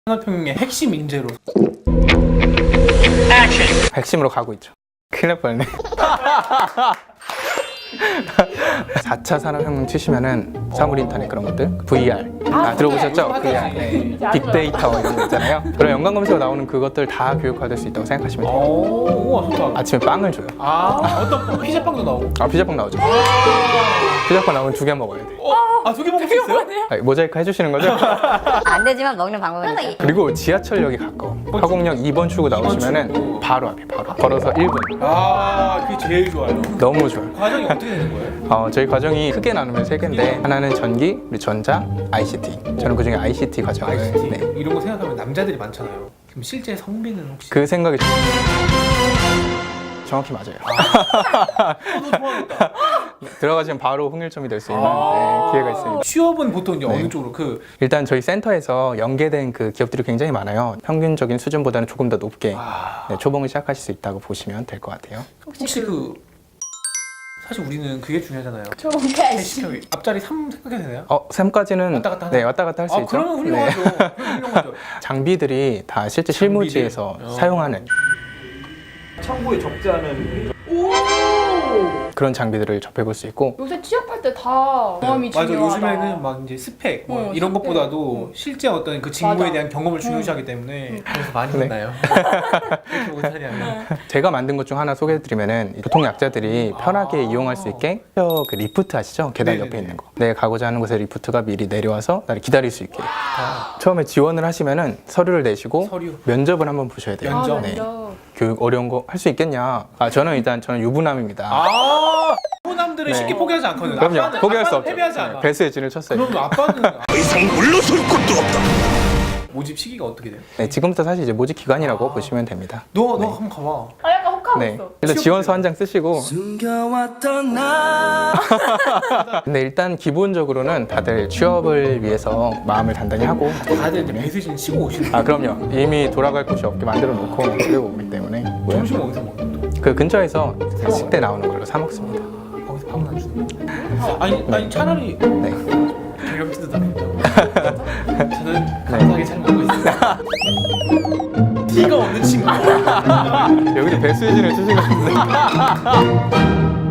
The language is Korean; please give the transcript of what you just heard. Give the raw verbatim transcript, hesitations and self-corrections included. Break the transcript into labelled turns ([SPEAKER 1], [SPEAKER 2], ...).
[SPEAKER 1] 산업혁명의 핵심 인재로
[SPEAKER 2] 핵심으로 가고 있죠. 큰일 날 뻔했네. 사 차 산업혁명 치시면은 사물 인터넷 그런 것들, 브이알 아, 들어보셨죠? 브이알, 네. 빅데이터 이런 거 있잖아요. 그런 연관 검색어 나오는 그것들 다 교육화될 수 있다고 생각하시면 돼요.
[SPEAKER 1] 오, 우와 좋다.
[SPEAKER 2] 아침에 빵을 줘요.
[SPEAKER 1] 아, 어떤 빵? 피자빵도 나오고.
[SPEAKER 2] 아, 피자빵 나오죠. 피자빵 나오면 두 개 먹어야 돼.
[SPEAKER 1] 아, 두 개 먹을 수 있어요?
[SPEAKER 2] 아, 모자이크 해주시는 거죠?
[SPEAKER 3] 안 되지만 먹는 방법은 있어요.
[SPEAKER 2] 그리고 지하철역이 가까워. 화곡역 이 번 출구 나오시면은 바로 앞에 바로 걸어서 일 분.
[SPEAKER 1] 아, 그게 제일 좋아요.
[SPEAKER 2] 너무 좋아요.
[SPEAKER 1] 과정이 어떻게 되는 거예요?
[SPEAKER 2] 어, 저희 과정이 크게 나누면 세 개인데 하나는 전기, 그리고 전자, 아이씨티. 저는 그중에 아이씨티 과정을
[SPEAKER 1] 아이씨티
[SPEAKER 2] 네.
[SPEAKER 1] 이런 거 생각하면 남자들이 많잖아요. 그럼 실제 성비는 혹시?
[SPEAKER 2] 그 생각이 정확히 맞아요.
[SPEAKER 1] 아, 너 좋아하겠다.
[SPEAKER 2] 들어가시면 바로 홍일점이 될 수 있는
[SPEAKER 1] 아~
[SPEAKER 2] 네, 기회가 있습니다.
[SPEAKER 1] 취업은 보통 이제
[SPEAKER 2] 네.
[SPEAKER 1] 어느 쪽으로 그
[SPEAKER 2] 일단 저희 센터에서 연계된 그 기업들이 굉장히 많아요. 평균적인 수준보다는 조금 더 높게
[SPEAKER 1] 아...
[SPEAKER 2] 네, 초봉을 시작하실 수 있다고 보시면 될 것 같아요.
[SPEAKER 1] 혹시 그 사실 우리는 그게 중요하잖아요.
[SPEAKER 3] 초봉까지.
[SPEAKER 1] 앞자리 삼 생각해도 되나요?
[SPEAKER 2] 어, 삼까지는
[SPEAKER 1] 왔다 갔다 하나?
[SPEAKER 2] 네, 왔다 갔다 할 수
[SPEAKER 1] 아,
[SPEAKER 2] 있죠.
[SPEAKER 1] 그러면 훌륭하죠. 그러면 훌륭하죠.
[SPEAKER 2] 장비들이 다 실제 실무지에서
[SPEAKER 1] 장비들. 어.
[SPEAKER 2] 사용하는
[SPEAKER 4] 창고에 적재하는
[SPEAKER 2] 그런 장비들을 접해볼 수 있고
[SPEAKER 5] 요새 취업할 때 다 경험이
[SPEAKER 1] 맞아.
[SPEAKER 5] 중요하다.
[SPEAKER 1] 요즘에는 막 이제 스펙 뭐
[SPEAKER 5] 어,
[SPEAKER 1] 이런
[SPEAKER 5] 스펙.
[SPEAKER 1] 것보다도
[SPEAKER 5] 응.
[SPEAKER 1] 실제 어떤 그 직무에
[SPEAKER 5] 맞아.
[SPEAKER 1] 대한 경험을 중요시하기 때문에 그래서 많이
[SPEAKER 2] 네.
[SPEAKER 1] 혼나요. 이렇게 못하냐.
[SPEAKER 2] 제가 만든 것 중 하나 소개해드리면은 교통약자들이 편하게
[SPEAKER 1] 아.
[SPEAKER 2] 이용할 수 있게 그 리프트 아시죠? 계단
[SPEAKER 1] 네네네.
[SPEAKER 2] 옆에 있는 거. 내가 가고자 하는 곳에 리프트가 미리 내려와서 나를 기다릴 수 있게.
[SPEAKER 1] 아,
[SPEAKER 2] 처음에 지원을 하시면은 서류를 내시고
[SPEAKER 1] 서류.
[SPEAKER 2] 면접을 한번 보셔야 돼요.
[SPEAKER 1] 면접.
[SPEAKER 5] 아,
[SPEAKER 2] 네.
[SPEAKER 5] 면접.
[SPEAKER 2] 교육 어려운 거 할 수 있겠냐? 아 저는 일단 저는 유부남입니다.
[SPEAKER 1] 아, 호남들은
[SPEAKER 2] 네.
[SPEAKER 1] 쉽게 포기하지 않거든요.
[SPEAKER 2] 그럼요.
[SPEAKER 1] 아빠는-
[SPEAKER 2] 포기할 수
[SPEAKER 1] 아빠는
[SPEAKER 2] 없죠.
[SPEAKER 1] 패배하지
[SPEAKER 2] 네,
[SPEAKER 1] 않아.
[SPEAKER 2] 배수의 진을 쳤어요.
[SPEAKER 1] 그럼 아빠는
[SPEAKER 4] 이상 물러설 것도 없다.
[SPEAKER 1] 모집 시기가 어떻게 돼요?
[SPEAKER 2] 네, 지금부터 사실 이제 모집 기간이라고
[SPEAKER 1] 아.
[SPEAKER 2] 보시면 됩니다.
[SPEAKER 1] 너, 너
[SPEAKER 2] 네.
[SPEAKER 1] 한번 가봐.
[SPEAKER 5] 아 약간 혹하고
[SPEAKER 2] 네.
[SPEAKER 5] 있어.
[SPEAKER 2] 일단 지원서 한 장 쓰시고
[SPEAKER 4] 숨겨왔던 나.
[SPEAKER 2] 근데 일단 기본적으로는 다들 취업을 위해서 마음을 단단히 하고
[SPEAKER 1] 다들 이제 배수진 치고 오시는
[SPEAKER 2] 아 그럼요. 이미 돌아갈 곳이 없게 만들어 놓고 그리고 오기 때문에
[SPEAKER 1] 점심 어디서 먹는 거?
[SPEAKER 2] 그 근처에서 식대 나오는 걸로 사 먹습니다.
[SPEAKER 1] 거기서 밥은 안 주는 거? 아니, 아니 차라리
[SPEAKER 2] 네.
[SPEAKER 1] 괴롭지도 않는다. 저는 감사하게 잘 먹고 있습니다. 티가 없는 친구.
[SPEAKER 2] 여기서 배수진을 쓰신 것 같은데.